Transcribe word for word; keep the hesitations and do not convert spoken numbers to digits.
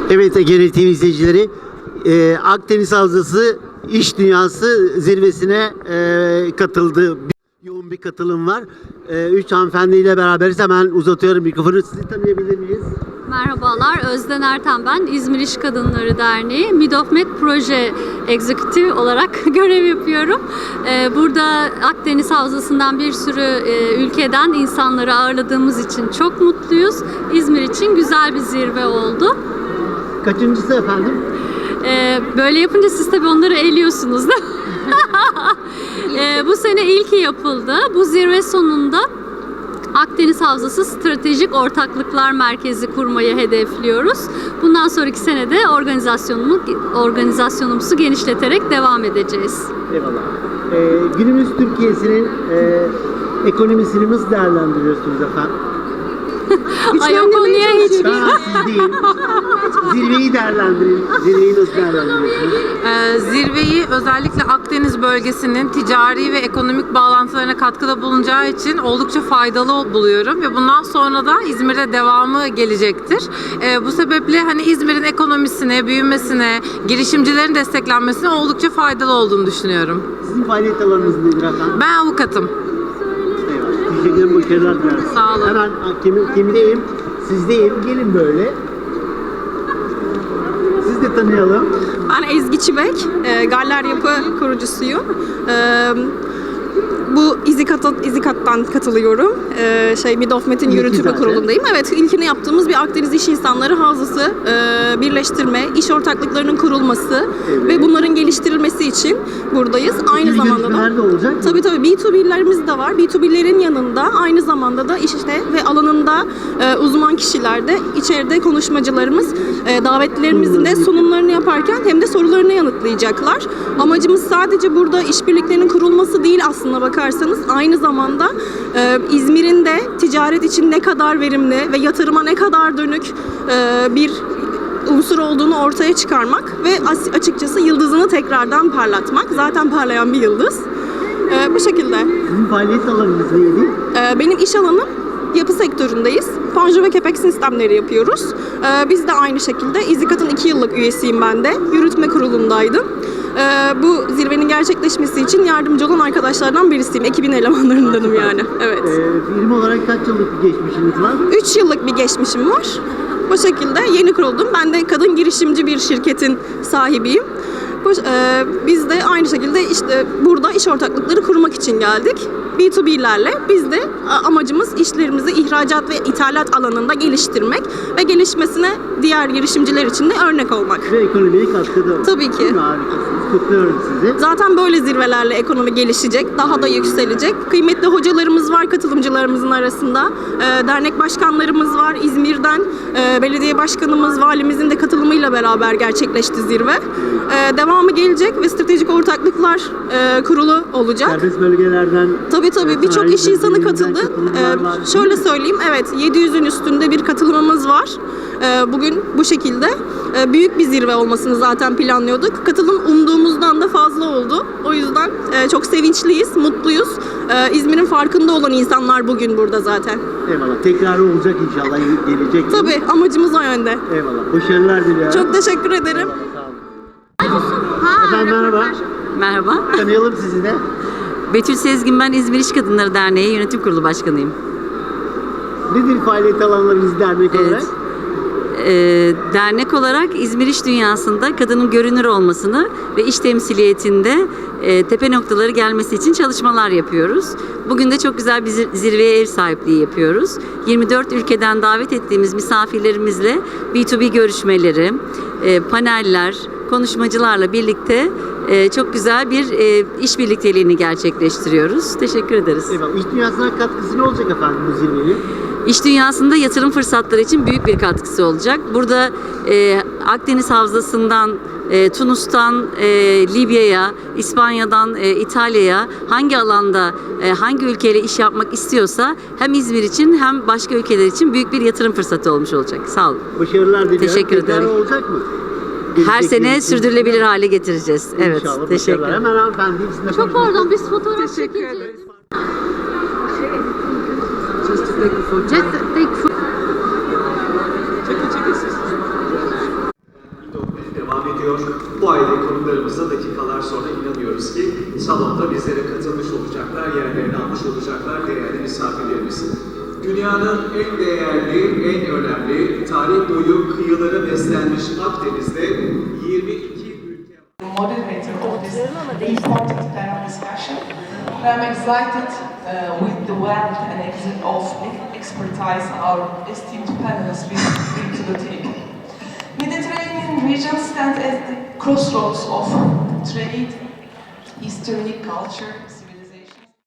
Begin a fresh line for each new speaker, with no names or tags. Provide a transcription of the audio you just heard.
Evet Ege T V izleyicileri, e, Akdeniz Havzası İş Dünyası zirvesine e, katıldı. Yoğun bir katılım var. E, üç hanımefendiyle beraberiz. Hemen uzatıyorum mikrofonu. Sizi tanıyabilir miyiz?
Merhabalar, Özden Erten ben. İzmir İş Kadınları Derneği Midofmed Proje Executive olarak görev yapıyorum. Ee, burada Akdeniz Havzası'ndan bir sürü e, ülkeden insanları ağırladığımız için çok mutluyuz. İzmir için güzel bir zirve oldu.
Kaçıncısı efendim?
Ee, böyle yapınca siz tabii onları eliyorsunuz da. ee, bu sene ilki yapıldı. Bu zirve sonunda Akdeniz Havzası Stratejik Ortaklıklar Merkezi kurmayı hedefliyoruz. Bundan sonraki senede organizasyonumuzu, organizasyonumuzu genişleterek devam edeceğiz.
Eyvallah. Ee, günümüz Türkiye'sinin e, ekonomisini nasıl değerlendiriyorsunuz efendim?
Ay o konuya hiç...
Ben siz değil. Zirveyi değerlendirin. Zirveyi nasıl değerlendiriyorsunuz?
Ee, zirveyi özellikle Akdeniz bölgesinin ticari ve ekonomik bağlantılarına katkıda bulunacağı için oldukça faydalı buluyorum ve bundan sonra da İzmir'de devamı gelecektir. Ee, bu sebeple hani İzmir'in ekonomisine, büyümesine, girişimcilerin desteklenmesine oldukça faydalı olduğunu düşünüyorum.
Sizin faaliyet alanınız nedir efendim?
Ben avukatım.
Eyvallah. Teşekkür ederim. Başarılar dilerim.
Sağ olun.
Hemen kim, kimdeyim? Sizdeyim. Gelin böyle. Siz de tanıyalım.
Ben Ezgi Çibek, e, Galler Yapı kurucusuyum. E, bu İzikat'a, İzikat'tan katılıyorum. E, şey Midofmed'in
İlki
yürütme
zaten.
kurulundayım. Evet, ilkini yaptığımız bir Akdeniz İş İnsanları Havzası e, birleştirme, iş ortaklıklarının kurulması
Evet.
ve bunların geliştirilmesi için buradayız. Aynı
İkili
zamanda da
görüşmeler de olacak mı?
Tabii tabii B iki B'lerimiz de var. B iki B'lerin yanında aynı zamanda da işte ve alanında e, uzman kişiler de içeride konuşmacılarımız e, davetlilerimizin de sunumlarını yaparken hem de sorularını yanıtlayacaklar. Amacımız sadece burada işbirliklerinin kurulması değil aslında bakarsanız aynı zamanda e, İzmir'in de ticaret için ne kadar verimli ve yatırıma ne kadar dönük e, bir unsur olduğunu ortaya çıkarmak ve as- açıkçası yıldızını tekrardan parlatmak. Zaten parlayan bir yıldız. Ee, bu şekilde.
Sizin faaliyet alanınız neydi?
Ee, benim iş alanım yapı sektöründeyiz. Panjur ve kepek sistemleri yapıyoruz. Ee, biz de aynı şekilde İzikat'ın iki yıllık üyesiyim ben de. Yürütme kurulundaydım. Ee, bu zirvenin gerçekleşmesi için yardımcı olan arkadaşlardan birisiyim. Ekibin elemanlarındanım yani. Evet.
Ee, firma olarak kaç yıllık bir geçmişiniz var?
üç yıllık bir geçmişim var. Bu şekilde yeni kuruldum. Ben de kadın girişimci bir şirketin sahibiyim. Bu, e, biz de aynı şekilde işte burada iş ortaklıkları kurmak için geldik. B iki B'lerle biz de a, amacımız işlerimizi ihracat ve ithalat alanında geliştirmek ve gelişmesine diğer girişimciler için de örnek olmak.
Ve ekonomiye katkıda.
Tabii ki.
Harikasınız. Kutluyorum sizi.
Zaten böyle zirvelerle ekonomi gelişecek, daha da yükselecek. Kıymetli hocalarımız var katılımcılarımızın arasında. E, dernek başkanlarımız var İzmir'den. E, belediye başkanımız, valimizin de katılımıyla beraber gerçekleşti zirve. E, devamı gelecek ve stratejik ortaklıklar e, kurulu olacak.
Serbest bölgelerden.
Tabii tabii birçok iş insanı katıldı. Ee, şöyle söyleyeyim, evet yedi yüzün üstünde bir katılımımız var. Ee, bugün bu şekilde ee, büyük bir zirve olmasını zaten planlıyorduk. Katılım umduğumuzdan da fazla oldu. O yüzden e, çok sevinçliyiz, mutluyuz. Ee, İzmir'in farkında olan insanlar bugün burada zaten.
Eyvallah. Tekrarı olacak inşallah gelecek.
Tabii amacımız o yönde.
Eyvallah. Başarılar diliyorum.
Çok teşekkür ederim.
Sağ olun. Efendim merhaba.
Merhaba.
Tanıyalım sizi de.
Betül Sezgin, ben İzmir İş Kadınları Derneği Yönetim Kurulu Başkanıyım.
Nedir faaliyet alanlarınız dernek olarak?
Evet. Ee, dernek olarak İzmir İş Dünyası'nda kadının görünür olmasını ve iş temsiliyetinde e, tepe noktaları gelmesi için çalışmalar yapıyoruz. Bugün de çok güzel bir zir- zirveye ev sahipliği yapıyoruz. yirmi dört ülkeden davet ettiğimiz misafirlerimizle B iki B görüşmeleri, e, paneller, konuşmacılarla birlikte e, çok güzel bir e, iş birlikteliğini gerçekleştiriyoruz. Teşekkür ederiz.
Eyvallah. İş dünyasına katkısı ne olacak efendim bu zirvenin?
İş dünyasında yatırım fırsatları için büyük bir katkısı olacak. Burada e, Akdeniz Havzası'ndan, e, Tunus'tan e, Libya'ya, İspanya'dan e, İtalya'ya hangi alanda, e, hangi ülkeyle iş yapmak istiyorsa hem İzmir için hem başka ülkeler için büyük bir yatırım fırsatı olmuş olacak. Sağ olun.
Başarılar diliyorum.
Teşekkür
Tekrarı
ederim.
olacak mı?
Her
Gelecek
sene
yıl için.
sürdürülebilir hale getireceğiz. Evet,
İnşallah.
teşekkür
Başarılar.
ederim.
Hemen hanımefendi sizinle
Çok
konuşalım.
pardon, biz fotoğraf çekeceğiz. Just take
ediyor. Bu aile konuklarımızla dakikalar sonra inanıyoruz ki salonda bizlere katılmış olacaklar, yerlerini almış olacaklar değerli misafirlerimiz. Dünyanın en değerli, en önemli, tarih boyu kıyıları beslenmiş Akdeniz'de yirmi iki ülke
moderator of this important panel discussion. I'm excited uh, with the wealth and ex- of expertise our esteemed panelists will bring to the table. Mediterranean region stands at the crossroads of trade, history, culture,